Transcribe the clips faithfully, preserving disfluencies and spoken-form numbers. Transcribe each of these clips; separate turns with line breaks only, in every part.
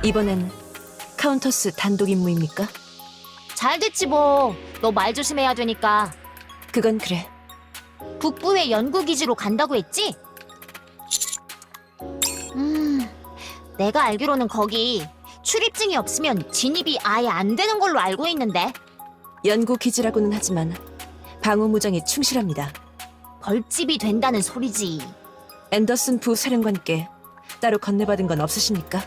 이번엔 카운터스 단독 임무입니까?
잘 됐지 뭐. 너 말 조심해야 되니까.
그건 그래.
북부의 연구기지로 간다고 했지? 음, 내가 알기로는 거기 출입증이 없으면 진입이 아예 안 되는 걸로 알고 있는데.
연구기지라고는 하지만 방어무장에 충실합니다.
벌집이 된다는 소리지.
앤더슨 부사령관께 따로 건네받은 건 없으십니까?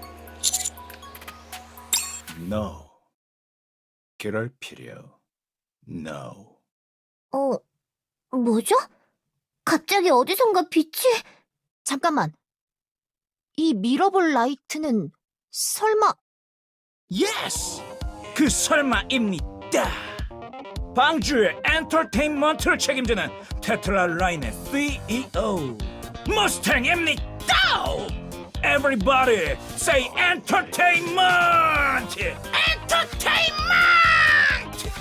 No. 그럴 필요. No.
어, 뭐죠? 갑자기 어디선가 빛이...
잠깐만. 이 미러볼 라이트는 설마...
예스! 그 설마입니다. 방주의 엔터테인먼트를 책임지는 테트라 라인의 씨이오 머스탱입니다. Everybody say entertainment! Entertainment!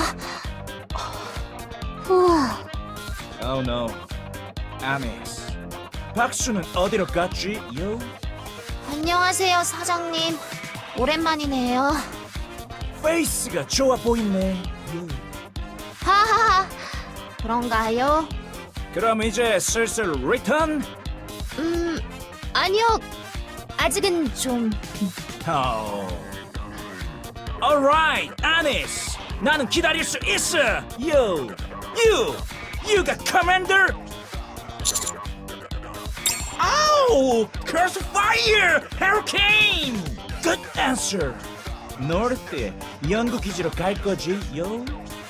우와,
Oh no. 아미스. 박수는 어디로 갔지? 요?
안녕하세요, 사장님. 오랜만이네요.
페이스가 좋아 보이네. 요.
하하하. 그런가요?
그럼 이제 슬슬 리턴?
음, 아니요. 아직은 좀...
Oh. Alright, 아니스. 나는 기다릴 수 있어. You, you, you got commander. Oh, curse fire, hurricane. Good answer. 노르트에 연구 기지로 갈 거지, yo.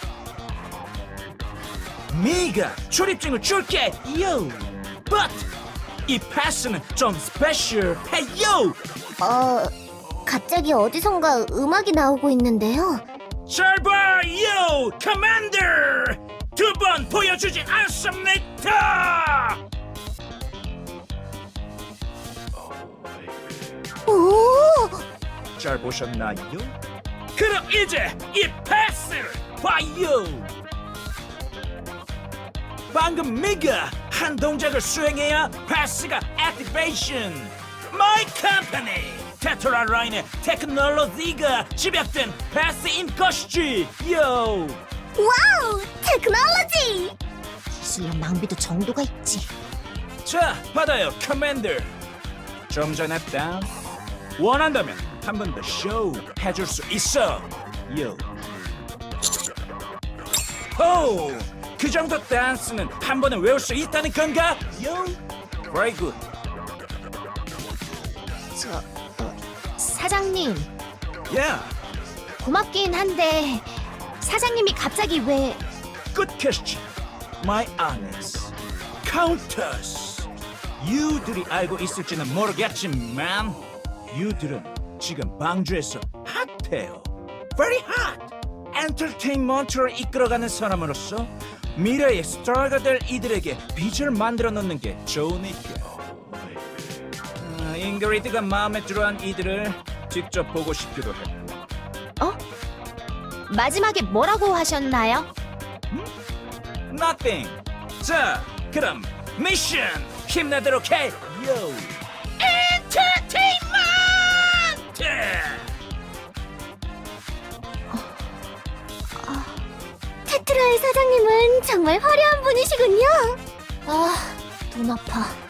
네가 출입증을 줄게, yo. But 이 패스는 좀 스페셜해요.
어... 갑자기 어디선가 음악이 나오고 있는데요.
잘 봐, 요, 커맨더! 두 번 보여주지 않습니다!
오!
잘 보셨나요? 그럼 이제 이 패스를 봐요! 방금 미가 한 동작을 수행해야 패스가 액티베이션! My company! 테트라 라인의 테크놀로지가 집약된 패스인 것이지! 요!
와우! 테크놀로지!
기술력 낭비도 정도가 있지.
자, 받아요, 커맨더. 좀 전에 딴 원한다면 한 번 더 쇼 해줄 수 있어. 요. 호, 그 정도 댄스는 한 번에 외울 수 있다는 건가? 요. Very good.
저... 어, 사장님,
Yeah.
고맙긴 한데 사장님이 갑자기 왜...
Good question. My honest. Countess. 유들이 알고 있을지는 모르겠지만 유들은 지금 방주에서 핫해요. Very hot. 엔터테인먼트를 이끌어가는 사람으로서 미래의 스타가 될 이들에게 빛을 만들어 놓는 게 좋으니까. 아, 잉그리드가 마음에 들어한 이들을 직접 보고 싶기도 했고.
어? 마지막에 뭐라고 하셨나요?
Nothing. 자, 그럼 미션 힘내도록 해. 요. 엔터테인먼트.
테트라의 사장님은 정말 화려한 분이시군요.
아, 눈 아파.